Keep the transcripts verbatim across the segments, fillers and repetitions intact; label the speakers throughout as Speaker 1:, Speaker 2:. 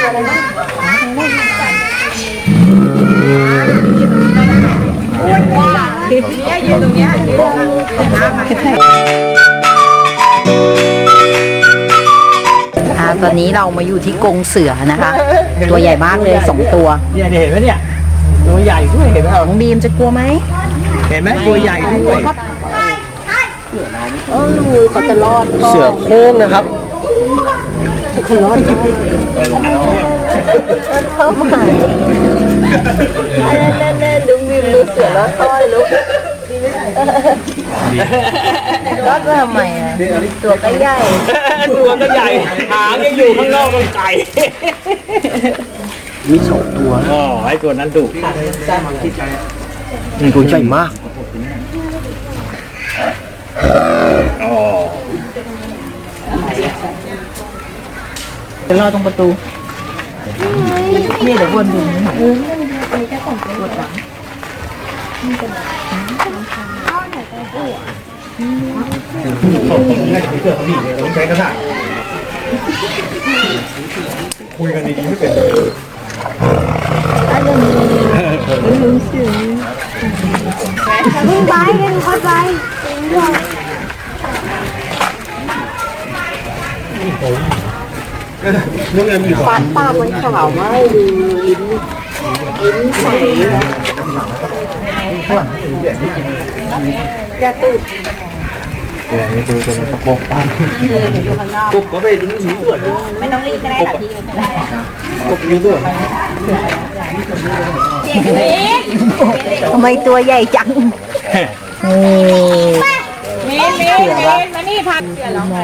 Speaker 1: เนี่ยยืนตรงเนี้ยยืนตรงอ่าตอนนี้เรามาอยู่ที่กรงเสือนะคะตัวใหญ่มากเลยสองตัว
Speaker 2: เนี่ยเห็นไหมเนี่ยตัวใหญ่ด้วยเห็นไหมครับ
Speaker 1: น้องบีมจะกลัวไหม
Speaker 2: เห็นไหมตัวใหญ่ด้วย
Speaker 1: เออเขาจะรอด
Speaker 2: เสือโคร่งนะครับ
Speaker 1: เขารอดเข้ามาเล่นๆดูบีมดูเสือรอดต้อยลูกรอดมาทำไมอ่ะตัวก็ใหญ่
Speaker 2: ตัวก็ใหญ่หางยังอยู่ข้างนอกมันไก่มีสองตัวอ๋อไอ้ตัวนั้นดุตัวใหญ่มากอ๋อ
Speaker 1: จะรอตรงประตูนี่เดี๋ยววนดูนะปวดหลัง
Speaker 2: ผมให้ผมเจอเขาดีเลยผมใช้กระดาษคุยกันดีๆไม่เป็น
Speaker 1: ลุงเสือลุงไปลุงเข้าไปปากปากมันขาวมากลิ้นลิ้นใสจะตื่น
Speaker 2: เนี่ยนี่คือตัวตะโกนปั้นกบก็ไปดิ้งหิวด้วย
Speaker 1: ไม่ต้องรีบก็ได้ค่ะพี่
Speaker 2: กบหิวด้วย
Speaker 1: ทำไมตัวใหญ่จัง
Speaker 3: มีมีมีมานี่พันเสือแล้ว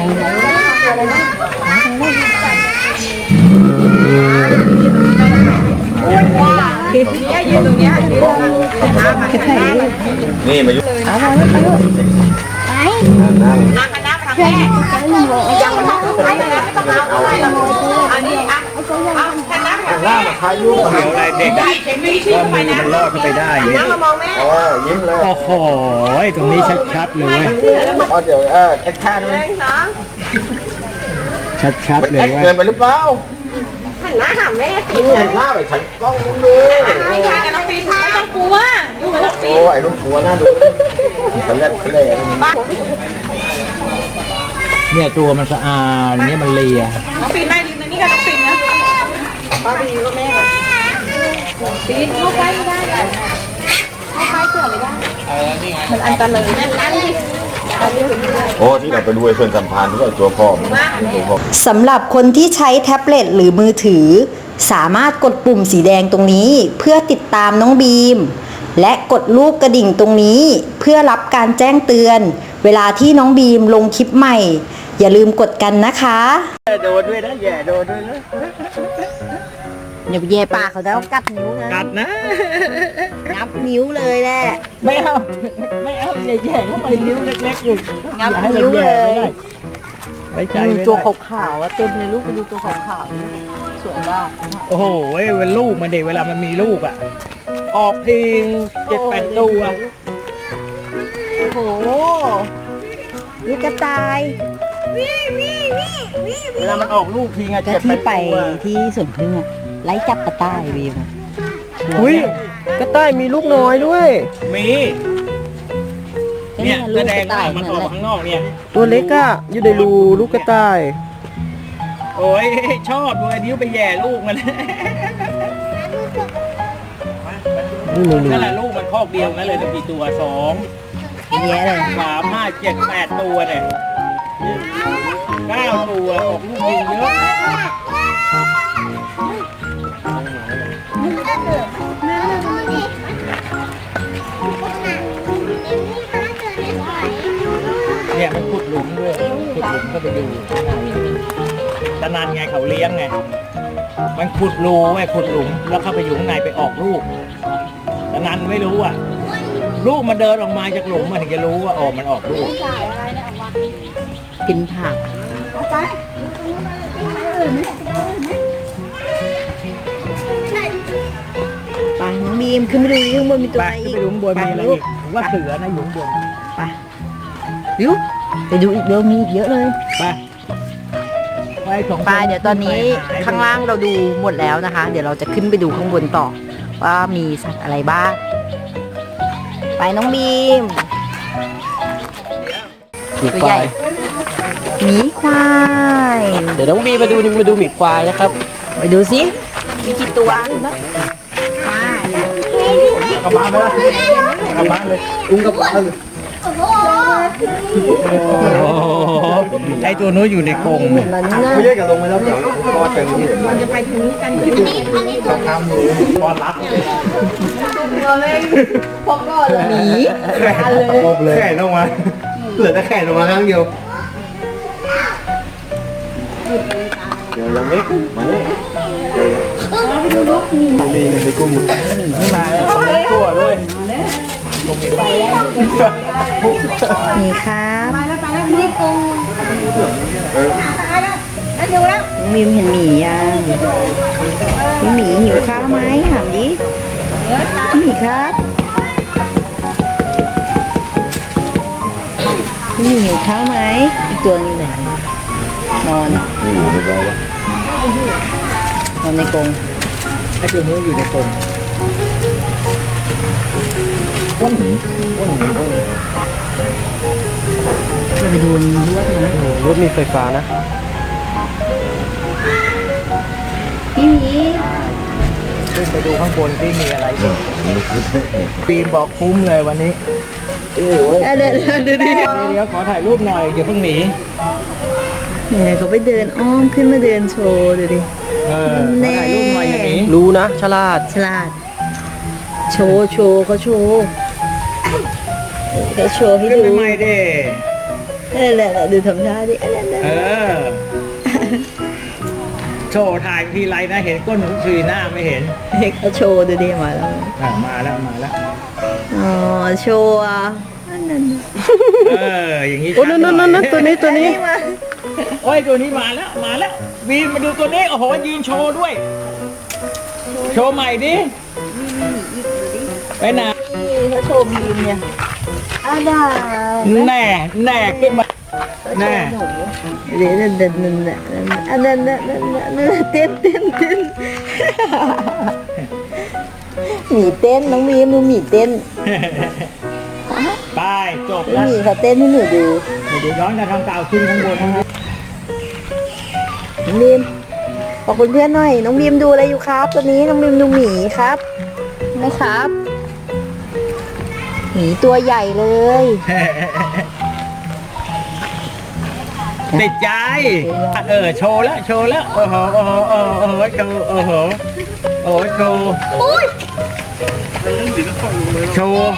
Speaker 3: เนี่ยยืนตรงเนี้ยยืน
Speaker 2: นี่มายุ่ง
Speaker 1: เอาไปไปลูก
Speaker 3: ไปนั่งกันนั่งทางแม่ยังไม่ต้องไปไม่ต้องเอาอะไรหรอกอันนี้อ่ะเอาแค่นั่ง
Speaker 2: ล่ามาพายุเดี๋ยวอะไรเด็กก็มือมันรอดเข้าไปได้
Speaker 3: นั่งมามองแม่
Speaker 2: อ๋อยิ้มเลยโอ้โหตรงนี้ชัดๆเลยอ๋อเดี๋ยวเออชัดๆเลยชัดๆเลยว่าเกินไปหรือเปล่า
Speaker 3: หันหน้าหาแม่
Speaker 2: กินเงินล่าไปฉันกล้องมึงเลย
Speaker 3: ไม่ใช่กันน้องปีนไม่ต้องกลัวอยู่กับน้องปีน
Speaker 2: โอ้ไอ้ลูกกลัวน่าดูเขาเล่นเขาเล่นเนี่ยตัวมันสะอาดเนี่ยมันเลีย
Speaker 3: น้องปีนไม่ดีนะนี่กับน้องปีนนะป้าปีนก็แม่ปีนเข้าไปไม่ได้เข้าไปเสือไม่ได้มันอันตรายนั่นดิ
Speaker 2: โอ้ที่เราไปดูไอ้เพื่อนสัมพันธ์ที่ว่าตัวพ่อ
Speaker 1: สำหรับคนที่ใช้แท็บเล็ตหรือมือถือสามารถกดปุ่มสีแดงตรงนี้เพื่อติดตามน้องบีมและกดรูปกระดิ่งตรงนี้เพื่อรับการแจ้งเตือนเวลาที่น้องบีมลงคลิปใหม่อย่าลืมกดกันนะคะ
Speaker 2: โดนด้วยนะแย่โดนด้วยนะ
Speaker 1: อย่าไปแย่ปากเขาแล้วกัดนิ้วนะ
Speaker 2: กัดนะ
Speaker 1: งับนิ้วเลยแหละ
Speaker 2: ไม่เอาไม่เอาแย่แย่เข้าไปนิ้วเล็กๆอยู่
Speaker 1: งับนิ้วเลย
Speaker 2: ไว้ใจ
Speaker 1: ตัวขาวๆเต็มเลยลูกไปดูตัวขาวๆสวยมาก
Speaker 2: โอ้โหเวลาลูกมันเด็กเวลามันมีลูกอ่ะออกทีเจ็ดแปดตัว
Speaker 1: โอ้โหลูกกระต่าย
Speaker 2: เวลามันออกลูกทีไง
Speaker 1: จะที่ไปที่สวนพึ่งอะไล่จับกระต่ายวีม
Speaker 2: อุ้ยกระต่ายมีลูกน้อยด้วยมีเนี่ยแสดงว่ามันออกข้างนอกเนี่ย
Speaker 4: ตัวเล็กอะอยู่ในรูลูกกระต่าย
Speaker 2: โอ้ยชอบเลยนิ้วไปแย่ลูกมันนั่นแหละลูกมันคอกเดียวนั่นเลยตั้งกี่ตัวสอง
Speaker 1: เยอะเลย
Speaker 2: สามห้าเจ็ดแปดตัวเนี่ยเก้าตัวออกลูกยิงเยอะเนี่ยมันขุดหลุมด้วยขุดหลุมก็ไปดูตะนันไงเขาเลี้ยงไงมันขุดรูไว้ขุดหลุมแล้วเข้าไปอยู่ข้างในไปออกลูกตะนันไม่รู้อ่ะลูกมันเดินออกมาจากหลุมมันถึงจะรู้ว่าออกมันออกลูก
Speaker 1: กินผักไปน้องบีมขึ้นไปดูข้างบนมีตัวอะไรอีก
Speaker 2: ไปดูข้างบนมีอะไรอีกว่าเสือนะอยู่ข้างบน
Speaker 1: ไปดูไปดูอีกเดี๋ยวมีอีกเยอะเลย
Speaker 2: ไปพไปสองคน
Speaker 1: ไปเดี๋ยวตอนนี้ข้างล่างเราดูหมดแล้วนะคะ เดี๋ยวเราจะขึ้นไปดูข้างบนต่อ ว่ามีสัตว์อะไรบ้าง ไปน้องบีม ตัวใหญ่หมีควาย
Speaker 4: เดี๋ยวน้องบีมาดูมาดูหมีควายนะครับ
Speaker 1: ไปดูสิมีกี่ตัวนะ
Speaker 2: กลับบ้านไปละกลับบ้านเลยอุ้งกลับบ้านเลยโอ้โหไอตัวนู้นอยู่ในกรง
Speaker 1: มันน่า
Speaker 2: ไม่ใช่กับลงไปแล้วเดี๋ยวพอถึงนี่มันจะไปถึงกันที่นี่ทำอยู่พอรับ
Speaker 1: หมี
Speaker 2: แข่เลยแข่ลงมาเหลือแต่แข่ลงมาครั้งเดียวเดี๋ยวยังไม่มาเลยมีในกุ้งไม่มาตัวเลย
Speaker 1: หมีครับมีมเห็นหมียังพี่หมีหิวข้าวไหมถามดิพี่หมีครับพี่หมีหิวข้าวไหมอีกตัวนึงไหนนอนนอนในกรง
Speaker 2: ไอตัวนู้นอยู่ในกรงอ้วนหนีอ้วนหนีอ้วนหนี
Speaker 1: จะไปดูรวดนะ
Speaker 4: รถมีไฟฟ้านะ
Speaker 1: พี่หมี
Speaker 2: ขึ้นไปดูข้างบนที่มีอะไรอีกปีนบอกคุ้มเลยวันนี้
Speaker 1: เดี๋ยวเดี๋ยวเดี๋ยวเดี๋ยว
Speaker 2: เดี๋ยวขอถ่ายรูปหน่อยอย่าเพิ่งหนี
Speaker 1: เนี่ยเขาไปเดินอ้อมขึ้นมาเดินโชว์ดูดิ
Speaker 2: เออขอถ่ายรูปหน่อยอย่างนี้
Speaker 4: รู้นะฉลาด
Speaker 1: ฉลาด โชว์โชว์เขาโชว์เขาโชว์ให้
Speaker 2: ขึ้น
Speaker 1: ดู
Speaker 2: ไปใหม่ดิ
Speaker 1: เออแหละดูทำท่าดิเออ
Speaker 2: เออโชว์ถ่ายทีไรนะเห็นก้นทุกทีหน้าไม่เห็น
Speaker 1: เขาโชว์ดูดิมาแล้ว
Speaker 2: อ่ะมาแล้วมาแล้ว
Speaker 1: อ๋อโชว์อ่ะอันนั้น
Speaker 2: เอออย่างนี้
Speaker 4: โอ้นั่นนั่นนั่นตัวนี้ตัวนี้
Speaker 1: มา
Speaker 2: โอ้ยตัวนี้มาแล้วมาแล้ววีนมาดูตัวนี้โอ้โหยืนโชว์ด้วย โชว์ใหม่ดิไปไหน
Speaker 1: เขาโชว์บีมเนี่ยอาดา
Speaker 2: แน่แน่ขึ้นมาแน่
Speaker 1: เดี๋ยวนั่นนั่นนั่นอันนั้นนั่นนั่นนั่นเต้นเต้นเต้นหมีเต้นน้องบีมดูหมีเต้น
Speaker 2: ไปจบ
Speaker 1: พี่
Speaker 2: แล้ว
Speaker 1: หมีเขาเต้นให้หนูดู
Speaker 2: เดี๋ยวย้อนจะทำกล่าวขึ้นข้างบนนะครับ
Speaker 1: น้องบีมขอบคุณเพื่อนหน่อย น้องบีมดูอะไรอยู่ครับตอนนี้น้องบีมดูหมีครับนะครับหมีตัวใหญ่เลย
Speaker 2: ติดใจ เออโชว์แล้วโชว์แล้วโอ้โหโอ้โหโอ้โหโชว์โอ้โหโอ้โหโชว์โชว์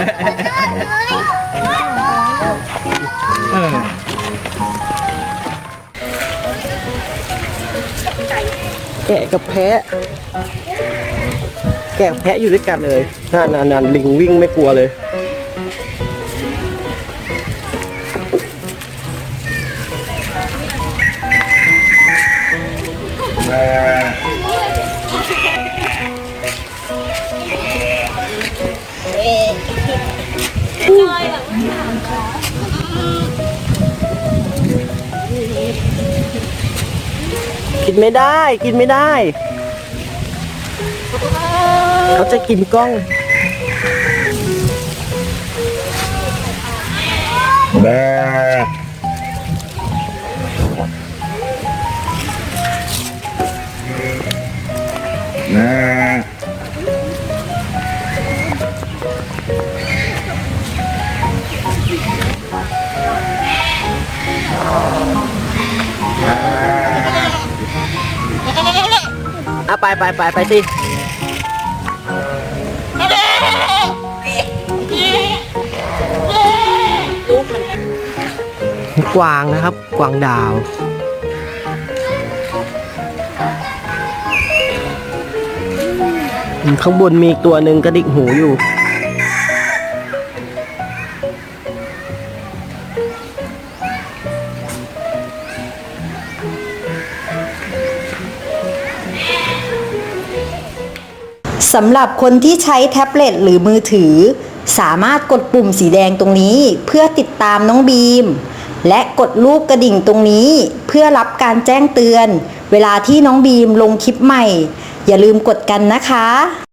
Speaker 2: เออ
Speaker 4: แกะกับแพะ แกะกับแพะอยู่ด้วยกันเลยนั่นนั่นนั่นลิงวิ่งไม่กลัวเลย กินไม่ได้ กินไม่ได้ เขาจะกินกล้อง
Speaker 2: แบแม่
Speaker 4: อ่ะไปไปไปไปสิกวางนะครับ กวางดาว ข้างบนมีอีกตัวหนึ่งกระดิกหูอยู่
Speaker 1: สำหรับคนที่ใช้แท็บเล็ตหรือมือถือ สามารถกดปุ่มสีแดงตรงนี้เพื่อติดตามน้องบีมและกดรูปกระดิ่งตรงนี้เพื่อรับการแจ้งเตือนเวลาที่น้องบีมลงคลิปใหม่อย่าลืมกดกันนะคะ